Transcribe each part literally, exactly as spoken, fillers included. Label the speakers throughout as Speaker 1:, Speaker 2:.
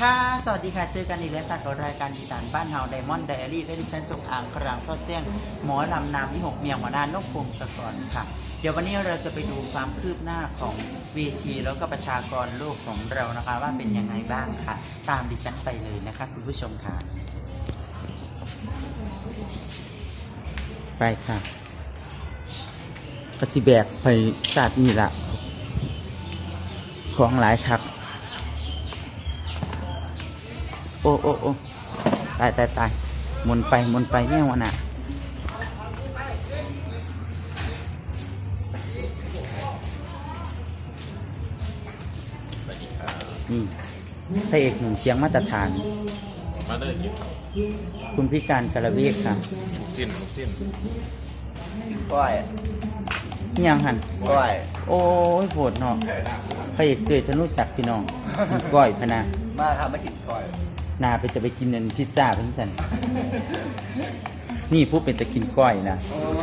Speaker 1: ค่ะสวัสดีค่ะเจอกันอีกแล้วค่ะกับรายการอีสานบ้านเฮาไดมอนด์ไดอารี่และดิฉันจงอางครางซอดแจ้งหมอลำนามวิหกเมียงหัวหน้านกพงศกรค่ะเดี๋ยววันนี้เราจะไปดูความคืบหน้าของเวทีแล้วก็ประชากรโลกของเรานะคะว่าเป็นยังไงบ้างค่ะตามดิฉันไปเลยนะคะคุณผู้ชมค่ะไปค่ะกระสิแบกไปศาสตร์นี่ละของหลายครับโอ้โอ้โอ้ตายตายตายหมุนไปหมุนไปเนี่ยวันน่ะนี่พระเอกหนุ่มเสียงมาตรฐานมาเลยคุณพิการกระเวกค่ะสิ้นสิ้นก้อยนี่ยังหันก้อยโอ้ยโหดเนาะพระเอกเกิดธนุศักดิ์พี่น้องก้อยพนามาครับมากินก้อยนาไปจะไปกินเงินพิซซ่าเป็นสันนี่ผู้เป็นจะกินก้อยนะ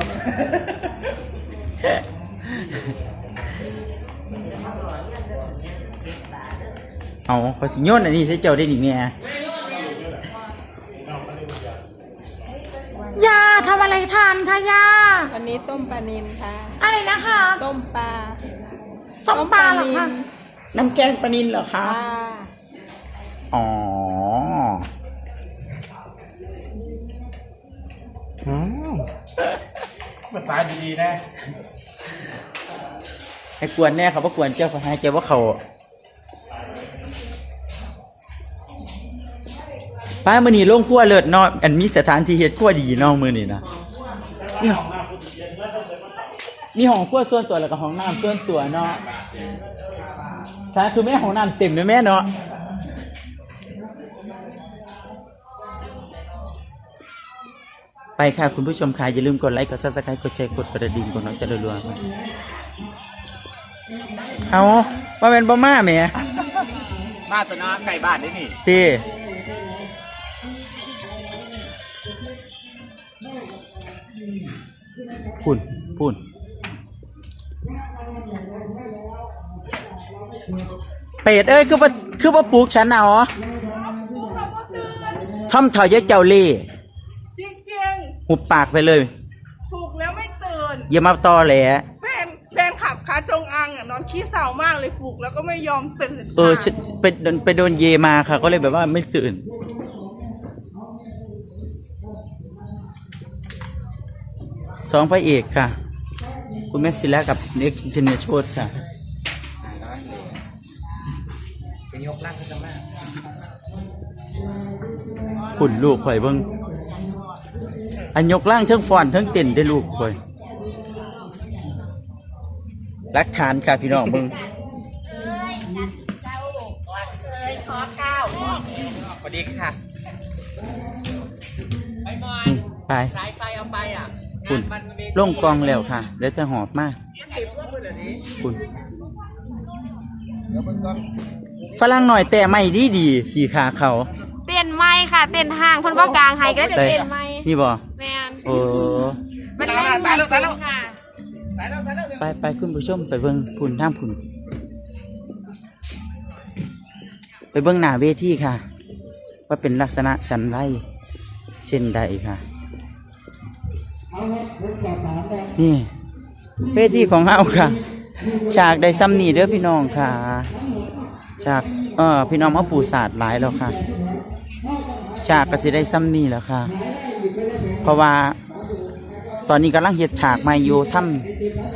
Speaker 1: เอาขอสิโยนอันนี้ใช้เจ้าได้ดิเมียยาทำอะไรทานคะยา
Speaker 2: วันนี้ต้มปลานิลค่ะ
Speaker 1: อะไรนะคะ
Speaker 2: ต้มปลา
Speaker 1: ต้มปลาเหรอคะน้ำแกงปลานิลเหรอคะอ๋อ
Speaker 3: ภาษาดีๆนะ
Speaker 1: ให้กวนแน่เขาว่ากวนเจ้าเขาให้เจ้าว่าเขาป้ามือนี่ลงขั้วเลิศเนาะอันมีสถานที่เฮ็ดขั้วดีเนาะมือนี่นะนี่มีห้องขั้วส่วนตัวแล้วก็ห้องน้ำส่วนตัวเนาะสาธุแม่ห้องน้ำเต็มเลยแม่เนาะไปค่ะคุณผู้ชมค่ะอย่าลืมกดไลค์กดซับสไครต์กดแชร์กดกระดิ่งกดน้องจะรัวๆเอาว่าเป็นบ่มาแม่
Speaker 3: มาตัวน้าไก่บ้านได้นี่
Speaker 1: ตีพูนพูนเป็ดเอ้ยคือว่าคือว่าปลูกฉันเอาทำเถ่าเยอะเจ้าเล่
Speaker 4: จริง
Speaker 1: ๆหุบปากไปเลย
Speaker 4: ถูกแล้วไม่ตื่น
Speaker 1: อย่ามาตอแหล
Speaker 4: แฟนแฟนขับขาจงอังอ่ะนอนขี้เศร้ามากเลยปลุกแล้วก็ไม่ยอมตื่น
Speaker 1: เออไปโดนไปโดนเยมาค่ะก็เลยแบบว่าไม่ตื่นสองพระเอกค่ะคุณแม็กซิล่ากับเน็กซิเนโชดค่ะ
Speaker 3: เป็นยกล่างขึ้นมา
Speaker 1: หุ่นลูกข่อยเบิ้งอันยกล่างทั้งฟอนทั้งเต้นได้ลูกข่อยรักฐานค่ะพี่น้องเบิ้ง
Speaker 3: สวัสดีค่ะไปมอย
Speaker 1: ไป
Speaker 3: สายไฟเอาไปอ่ะ
Speaker 1: คุณล่งกองแล้วค่ะแล้วจะหอบมากคุณฝรั่งหน่อยแต่ไม่ดีดีขี่ขาเขา
Speaker 2: เต้นไม้ค่ะเต้นห้างคนว่ากลางไฮก็จะเต้นไม้
Speaker 1: นี่บ่
Speaker 2: แมน
Speaker 1: โอ้
Speaker 2: มันเล่นมาสิค่ะ
Speaker 1: ไปไปคุณผู้ชมไปเบิ้งพุ่นท่ามพุ่นไปเบิ้งหน้าเวทีค่ะว่าเป็นลักษณะชั้นไรเช่นใดค่ะนี่เวทีของเฮาค่ะฉากได้ซ้ำนี่เด้อพี่น้องค่ะฉากเออพี่น้องมาปูศาสตร์หลายแล้วค่ะฉากก็สิได้ซ้ำนี่แล้วค่ะเพราะว่าตอนนี้กำลังเฮ็ดฉากใหม่อยู่ทำ